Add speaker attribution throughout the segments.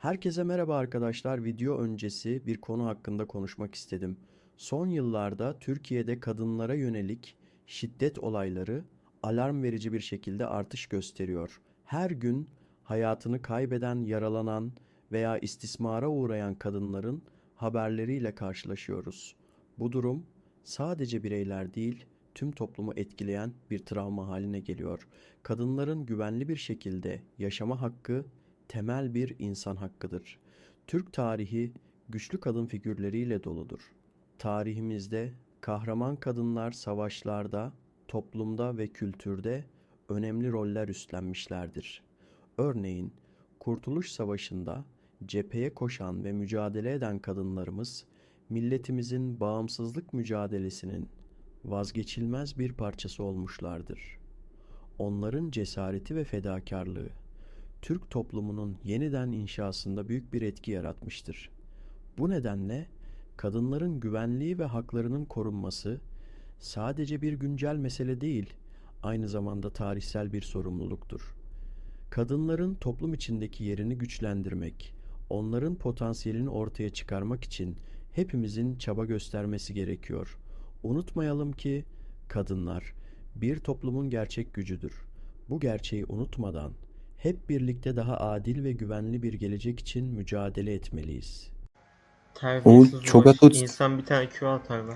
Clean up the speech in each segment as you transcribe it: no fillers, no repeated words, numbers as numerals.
Speaker 1: Herkese merhaba arkadaşlar. Video öncesi bir konu hakkında konuşmak istedim. Son yıllarda Türkiye'de kadınlara yönelik şiddet olayları alarm verici bir şekilde artış gösteriyor. Her gün hayatını kaybeden, yaralanan veya istismara uğrayan kadınların haberleriyle karşılaşıyoruz. Bu durum sadece bireyler değil, tüm toplumu etkileyen bir travma haline geliyor. Kadınların güvenli bir şekilde yaşama hakkı temel bir insan hakkıdır. Türk tarihi güçlü kadın figürleriyle doludur. Tarihimizde kahraman kadınlar savaşlarda, toplumda ve kültürde önemli roller üstlenmişlerdir. Örneğin Kurtuluş Savaşı'nda cepheye koşan ve mücadele eden kadınlarımız milletimizin bağımsızlık mücadelesinin vazgeçilmez bir parçası olmuşlardır. Onların cesareti ve fedakarlığı Türk toplumunun yeniden inşasında büyük bir etki yaratmıştır. Bu nedenle kadınların güvenliği ve haklarının korunması sadece bir güncel mesele değil, aynı zamanda tarihsel bir sorumluluktur. Kadınların toplum içindeki yerini güçlendirmek, onların potansiyelini ortaya çıkarmak için hepimizin çaba göstermesi gerekiyor. Unutmayalım ki kadınlar bir toplumun gerçek gücüdür. Bu gerçeği unutmadan hep birlikte daha adil ve güvenli bir gelecek için mücadele etmeliyiz.
Speaker 2: O
Speaker 3: Terbiyesiz
Speaker 2: çok
Speaker 3: Ulaş.
Speaker 2: atut.
Speaker 3: İnsan bir tane Q atar lan.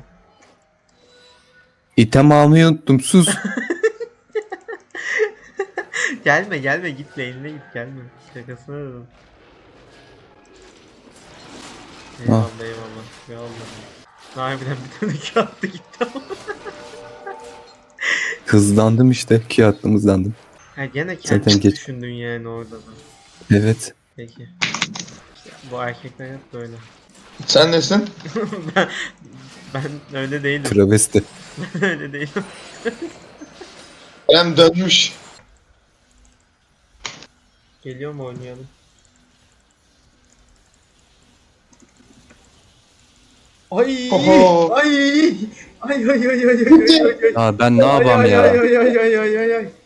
Speaker 2: İtem almayı unuttum, sus.
Speaker 3: Gelme git lane'ine git gelme. Şakasına dedim. Eyvallah eyvallah. Harbiden bir tane Q attı gitti ama.
Speaker 2: Hızlandım işte. Q attım, hızlandım.
Speaker 3: Ha gene
Speaker 2: Zaten
Speaker 3: kendini
Speaker 2: geç.
Speaker 3: düşündün yani orada da.
Speaker 2: Evet.
Speaker 3: Peki. İşte bu erkekler hep böyle.
Speaker 4: Sen nesin?
Speaker 3: ben, ben öyle değilim.
Speaker 2: Travesti.
Speaker 3: Ben öyle değilim.
Speaker 4: Kerem dönmüş.
Speaker 3: Geliyor mu oynayalım? Ay!
Speaker 4: Oho.
Speaker 3: Ay! Ay ay ay ay ay ay ay ay.
Speaker 2: Ya ben ne yapam
Speaker 3: Ay
Speaker 2: ya?
Speaker 3: ay ay ay ay ay ay ay.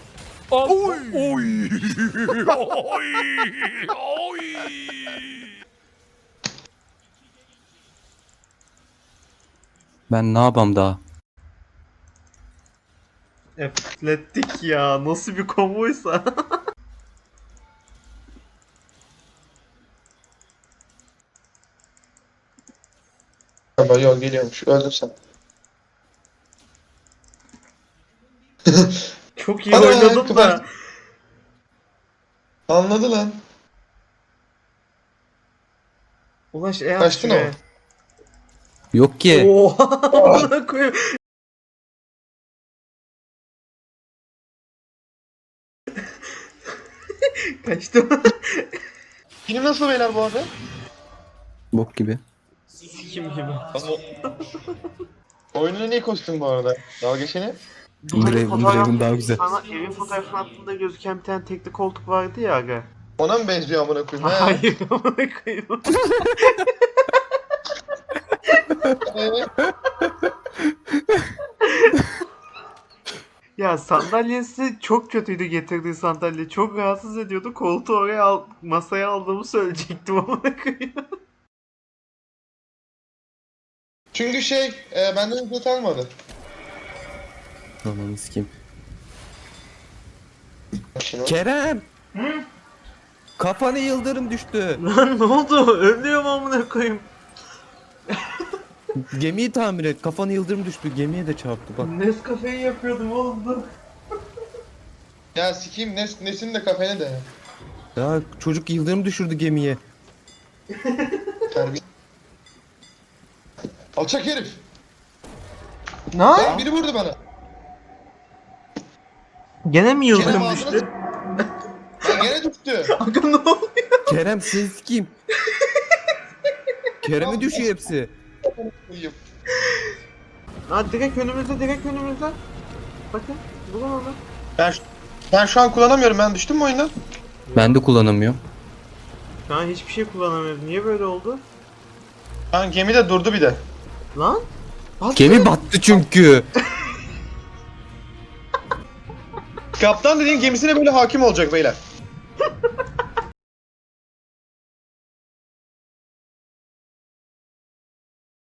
Speaker 2: Ben ne yapam daha?
Speaker 3: Atletik ya. Nasıl bir komboysa.
Speaker 4: Ama yok geliyormuş. Öldüm sen.
Speaker 3: Çok iyi
Speaker 4: Ana,
Speaker 3: oynadım da.
Speaker 4: Anladı lan.
Speaker 3: Ulaş at
Speaker 4: Kaçtın
Speaker 3: şuraya.
Speaker 4: ama.
Speaker 2: Yok ki.
Speaker 3: Oha! Amına koyayım. Kaçtım.
Speaker 4: Film nasıl beyler bu arada?
Speaker 2: Bok gibi.
Speaker 3: Sikim gibi.
Speaker 4: Oyunun en iyi kostüm bu arada. Dalga geçeni.
Speaker 2: Draven daha güzel.
Speaker 3: Sana evin fotoğrafının altında gözüken bir tane tekli koltuk vardı ya aga.
Speaker 4: Ona mı benziyor amına koyayım? he?
Speaker 3: Hayır amına koyayım. Ya sandalyesi çok kötüydü, getirdiği sandalye. Çok rahatsız ediyordu. Koltuğu masaya aldığımı söyleyecektim amına koyayım.
Speaker 4: Çünkü benden ücret almadı.
Speaker 2: Ananı sikeyim.
Speaker 4: Şimdi
Speaker 2: Kerem! Kafana yıldırım düştü.
Speaker 3: Lan ne oldu? Ölüyorum amına koyayım.
Speaker 2: Gemiyi tamir et. Kafana yıldırım düştü. Gemiye de çarptı bak.
Speaker 3: Nescafe'yi yapıyordum oğlum dur.
Speaker 4: Ya sikeyim nesin de kafene de.
Speaker 2: Ya çocuk yıldırım düşürdü gemiye.
Speaker 4: Terbiye. Alçak herif.
Speaker 3: Ne?
Speaker 4: Lan biri vurdu bana.
Speaker 3: Gene mi
Speaker 4: Kerem
Speaker 3: yıldırım
Speaker 4: ağzına
Speaker 3: düştü?
Speaker 4: Lan gene düştü.
Speaker 3: Aga ne oluyor?
Speaker 2: Kerem seni sikeyim. Kerem'e düşüyor hepsi.
Speaker 4: Uyuyup.
Speaker 3: Ha direkt önümüzde. Bakın bulun onu.
Speaker 4: Ben şu an kullanamıyorum. Ben düştüm mü oyundan?
Speaker 2: Ben de kullanamıyorum.
Speaker 3: Şu an hiçbir şey kullanamıyoruz. Niye böyle oldu?
Speaker 4: Lan gemi de durdu bir de.
Speaker 3: Lan?
Speaker 2: Gemi battı çünkü.
Speaker 4: Kaptan dediğin gemisine böyle hakim olacak beyler.